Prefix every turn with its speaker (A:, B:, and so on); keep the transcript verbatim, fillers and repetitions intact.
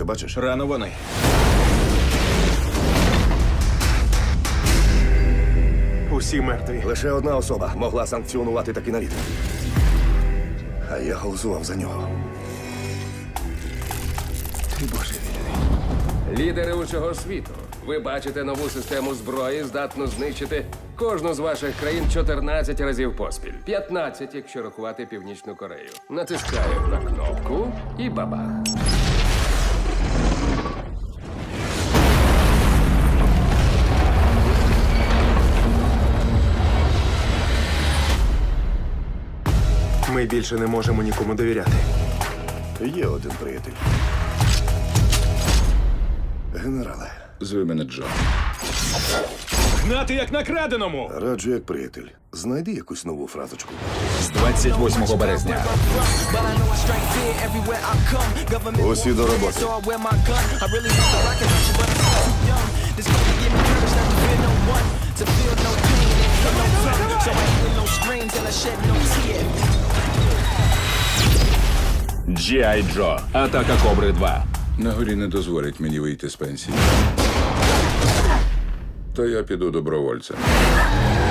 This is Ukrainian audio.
A: це бачиш?
B: Рано вони.
C: Усі мертві.
A: Лише одна особа могла санкціонувати такий наліт. А я голосував за нього. Ти божевільний.
D: Лідери усього світу. Ви бачите нову систему зброї, здатну знищити кожну з ваших країн чотирнадцять разів поспіль. п'ятнадцять, якщо рахувати Північну Корею. Натискаю на кнопку і бабах.
C: Ми більше не можемо нікому довіряти.
A: Є один приятель. Генерале,
E: Зви мене Джо.
B: Гнати як на краденому!
A: раджу як приятель. Знайди якусь нову фразочку.
B: З двадцять восьмого березня.
A: Усі до роботи.
B: Джі Ай. Джо. Атака Кобри два.
E: На горі не дозволять мені вийти з пенсії. То я піду добровольцем.